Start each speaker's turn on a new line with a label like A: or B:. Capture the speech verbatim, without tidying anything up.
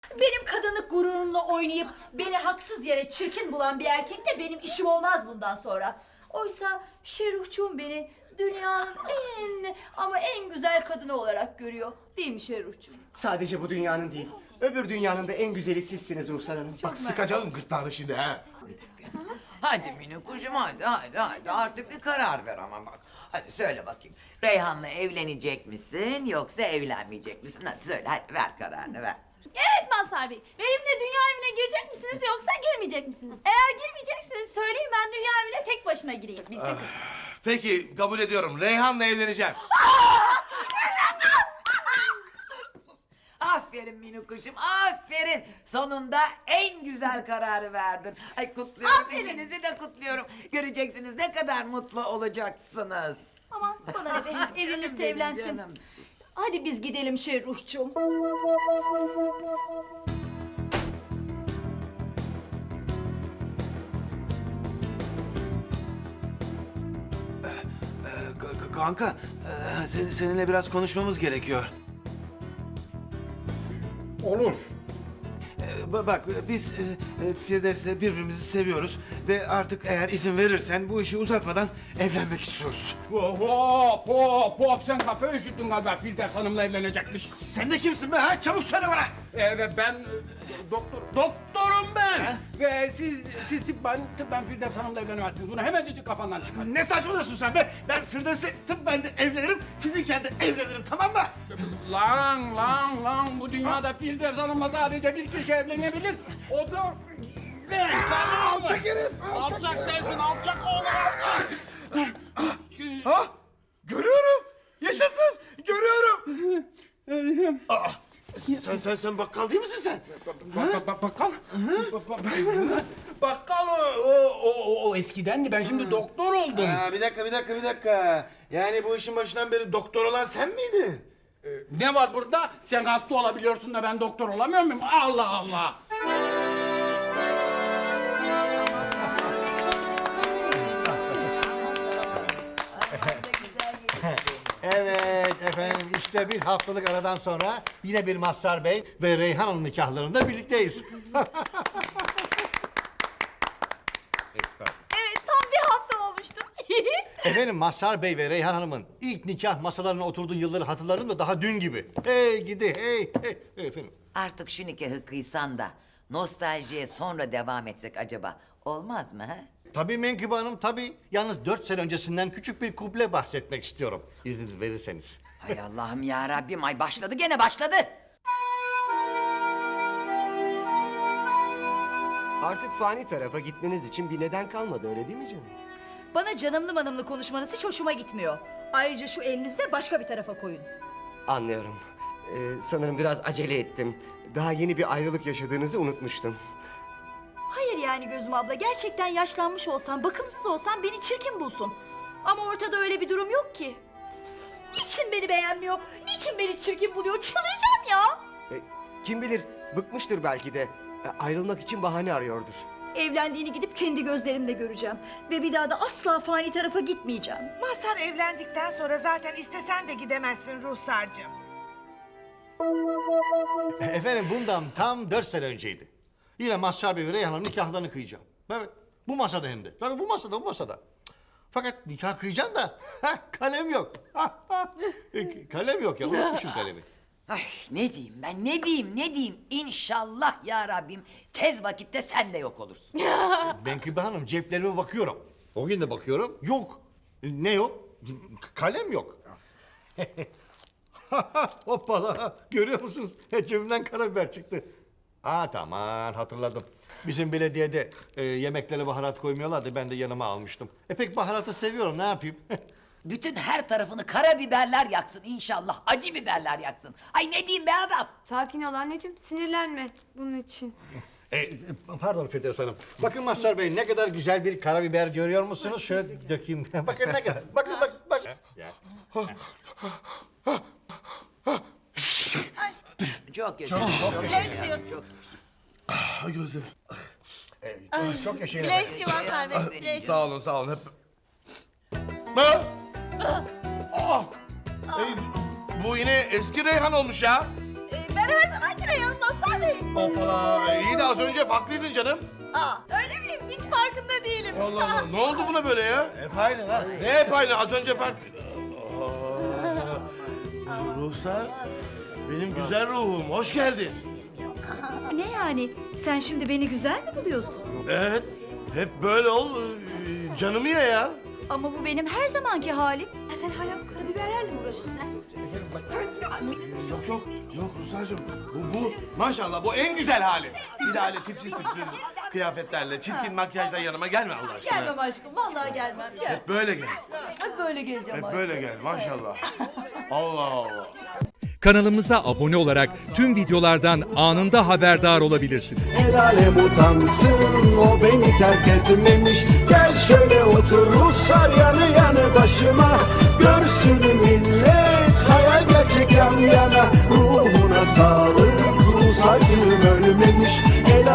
A: Benim kadınlık gururumla oynayıp beni haksız yere çirkin bulan bir erkekle benim işim olmaz bundan sonra. Oysa Şeruhçuğum beni dünyanın en ama en güzel kadını olarak görüyor. Değil mi Şeruhçuğum?
B: Sadece bu dünyanın değil, öbür dünyanın da en güzeli sizsiniz Ruhsar Hanım.
C: Bak sıkacağım gırtlağını şimdi ha.
D: Hadi minik kuşum hadi hadi hadi artık bir karar ver ama bak. Hadi söyle bakayım. Reyhan'la evlenecek misin yoksa evlenmeyecek misin? Hadi söyle hadi ver kararını ver.
E: Evet Mazhar Bey. Benimle dünya evine girecek misiniz yoksa girmeyecek misiniz? Eğer girmeyecekseniz söyleyin, ben dünya evine tek başına gireyim. Biz de kız.
C: Peki kabul ediyorum. Reyhan'la evleneceğim.
D: Aferin minik kuşum aferin. Sonunda en güzel kararı verdin. Ay kutluyorum
E: Aferin.
D: ikinizi de kutluyorum. Göreceksiniz ne kadar mutlu olacaksınız.
A: Aman bana ne be,
D: Canım
A: evlenirse
D: benim,
A: evlensin.
D: canım.
A: Hadi biz gidelim Şeruhçuğum.
F: Ee, k- k- Kanka, e, sen- seninle biraz konuşmamız gerekiyor.
G: Olur.
F: Ee, ba- Bak, biz e, e, Firdevs'le birbirimizi seviyoruz ve artık eğer izin verirsen bu işi uzatmadan evlenmek istiyoruz.
G: Hop hop hop hop, sen kafayı üşüttün galiba, Firdevs Hanım'la evlenecekmiş.
F: Sen de kimsin be ha? Çabuk söyle bana!
G: Ee, ve ben e, doktor, doktorum ben. Ve siz, siz tıbben, tıbben Firdevs Hanım'la evlenemezsiniz. Bunu hemencecik kafandan çıkar.
F: Ne saçmalıyorsun sen be? Ben Firdevs'e tıbben de evlenirim, fiziken de evlenirim, tamam mı?
G: Lan lan lan, bu dünyada Firdevs Hanım'la sadece bir kişi evlenebilir. O da ben, tamam mı?
F: Alçak herif, alçak.
G: Alçak sensin, alçak oğlum, alçak.
F: Ha? Görüyorum! Yaşasın! Görüyorum! Aa, sen sen sen bakkal değil misin sen?
G: Bak, bak, bak, bakkal. Bak, bak, Bakkal o, o, o, o eskidendi. Ben şimdi doktor oldum.
F: Aa, bir dakika, bir dakika, bir dakika. Yani bu işin başından beri doktor olan sen miydin?
G: Ee, ne var burada? Sen hasta olabiliyorsun da ben doktor olamıyor muyum? Allah Allah!
H: Evet efendim, işte bir haftalık aradan sonra yine bir Mazhar Bey ve Reyhan Hanım nikahlarında birlikteyiz.
E: Evet, tam bir hafta olmuştu.
H: Efendim, Mazhar Bey ve Reyhan Hanım'ın ilk nikah masalarına oturduğu yılları hatırlarım da daha dün gibi. Hey gidi hey hey. Hey, efendim.
D: Artık şu nikahı kıysan da nostaljiye sonra devam etsek acaba olmaz mı ha?
H: Tabii Menkıbe Hanım, tabii. Yalnız dört sene öncesinden küçük bir kuble bahsetmek istiyorum. İzniniz verirseniz.
D: Hay Allah'ım ya Rabbim, ay başladı gene başladı.
B: Artık fani tarafa gitmeniz için bir neden kalmadı, öyle değil mi canım?
A: Bana canımlı manımlı konuşmanız hiç hoşuma gitmiyor. Ayrıca şu elinizi de başka bir tarafa koyun.
B: Anlıyorum. Ee, sanırım biraz acele ettim. Daha yeni bir ayrılık yaşadığınızı unutmuştum.
A: Hayır yani Gözüm abla, gerçekten yaşlanmış olsan, bakımsız olsan beni çirkin bulsun. Ama ortada öyle bir durum yok ki. Niçin beni beğenmiyor? Niçin beni çirkin buluyor? Çıldıracağım ya!
B: Ee, kim bilir, bıkmıştır belki de. Ee, ayrılmak için bahane arıyordur.
A: Evlendiğini gidip kendi gözlerimle göreceğim. Ve bir daha da asla fani tarafa gitmeyeceğim.
I: Mazhar evlendikten sonra zaten istesen de gidemezsin Ruhsar'cığım.
H: Efendim, bundan tam dört sene önceydi. Yine Mazhar Bey ve Reyhan Hanım nikahlarını kıyacağım. Evet, bu masada hem de. Tabii bu masada, bu masada. Fakat nikah kıyacağım da heh, kalem yok. E, kalem yok ya, unutmuşum kalemi.
D: Ay ne diyeyim ben ne diyeyim ne diyeyim İnşallah ya Rabbim tez vakitte sen de yok olursun.
H: Menkıbe Hanım, ceplerime bakıyorum. O gün de bakıyorum, yok. E, Ne yok? Kalem yok. Hoppala, görüyor musunuz? Cebimden karabiber çıktı. Aa tamam, hatırladım. Bizim belediyede e, yemeklere baharat koymuyorlardı, ben de yanıma almıştım. E pek baharatı seviyorum, ne yapayım?
D: Bütün her tarafını karabiberler yaksın inşallah acı biberler yaksın. Ay ne diyeyim be adam.
J: Sakin ol anneciğim, sinirlenme bunun için.
H: E, pardon Firdevs Hanım. Bakın Mazhar Bey, ne kadar güzel bir karabiber görüyor musunuz? Şöyle dökeyim. Bakın ne kadar. Bakın bak bak. Ya.
D: Çok yaşa. Çok yaşa. Çok
C: Ay gözlerim.
H: E, çok yaşayın.
E: Bless you Mazhar Bey, bless you.
C: Sağ olun, sağ olun. Hep... Ha? Aa! Ey, bu yine eski Reyhan olmuş ya.
E: Ee, ben her zamanki Reyhan'ım Mazhar Bey.
C: Hoppala. İyi de az önce farklıydın canım.
E: Aa, öyle miyim? Hiç farkında değilim.
C: Allah Allah. Ne oldu buna böyle ya? Hep aynı lan. Ne hep aynı? Az önce fark... Aa, Ruhsar. Benim güzel ruhum. Hoş geldin.
A: Ne yani? Sen şimdi beni güzel mi buluyorsun?
C: Evet. Hep böyle ol. ee, Canımı ye ya.
A: Ama bu benim her zamanki halim. Ya sen hala bu karabiberlerle mi uğraşıyorsun? ha?
C: Yok yok. Yok Ruhsar'cığım. Bu bu. Maşallah bu en güzel hali. Bir de öyle tipsiz tipsiz kıyafetlerle, çirkin makyajla yanıma gelme Allah aşkına.
A: Gelmem aşkım, vallahi gelmem. Gel.
C: Hep böyle gel.
A: Hep böyle geleceğim
C: Hep
A: aşkım.
C: böyle gel maşallah. Allah Allah.
K: Kanalımıza abone olarak tüm videolardan anında haberdar olabilirsiniz.
L: El alem utansın, o beni terk etmemiş. Gel şöyle otur Ruslar yanı yanı başıma. Görsün millet, hayal gerçek yan yana. Ruhuna sağlık, Rus acım ölmemiş.